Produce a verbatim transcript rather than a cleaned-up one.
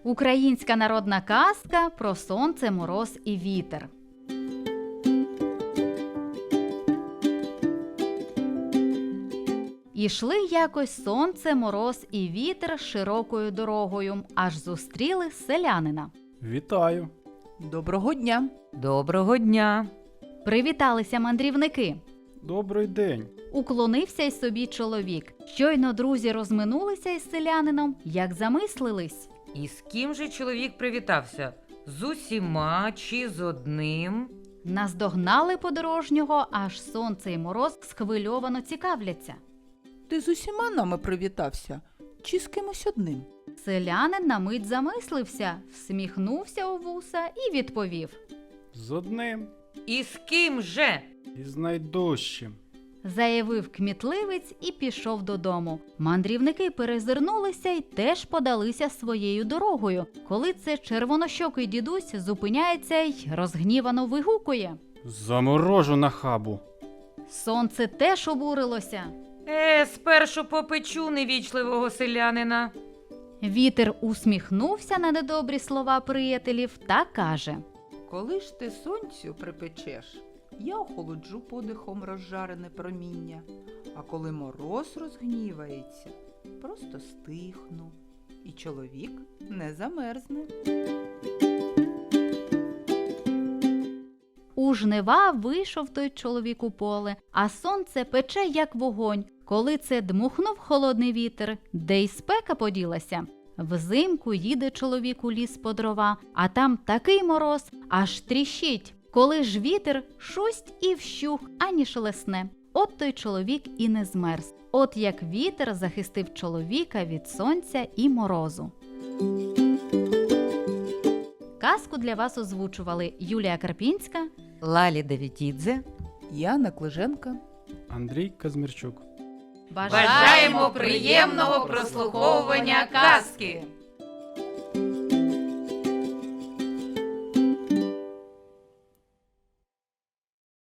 Українська народна казка про сонце, мороз і вітер. Ішли якось сонце, мороз і вітер широкою дорогою, аж зустріли селянина. Вітаю. Доброго дня. Доброго дня. Привіталися мандрівники. Добрий день. Уклонився й собі чоловік. Щойно друзі розминулися із селянином, як замислились. І з ким же чоловік привітався? З усіма чи з одним? Наздогнали подорожнього, аж сонце і мороз схвильовано цікавляться. Ти з усіма нами привітався? Чи з кимось одним? Селянин на мить замислився, всміхнувся у вуса і відповів. З одним І з ким же? і з найдужчим. Заявив кмітливець і пішов додому. Мандрівники перезирнулися й теж подалися своєю дорогою, коли це червонощокий дідусь зупиняється й розгнівано вигукує. Заморожу на хабу. Сонце теж обурилося. Е, спершу попечу невічливого селянина. Вітер усміхнувся на недобрі слова приятелів та каже. Коли ж ти сонцю припечеш, я охолоджу подихом розжарене проміння, а коли мороз розгнівається, просто стихну, і чоловік не замерзне. У жнива вийшов той чоловік у поле, а сонце пече, як вогонь. Коли це дмухнув холодний вітер, де й спека поділася. Взимку їде чоловік у ліс по дрова, а там такий мороз, аж тріщить. Коли ж вітер, шусть і вщух, ані шелесне. От той чоловік і не змерз. От як вітер захистив чоловіка від сонця і морозу. Казку для вас озвучували Юлія Карпінська, Лалі Давідідзе. Яна Клиженка. Андрій Казмірчук. Бажаємо приємного прослуховування казки!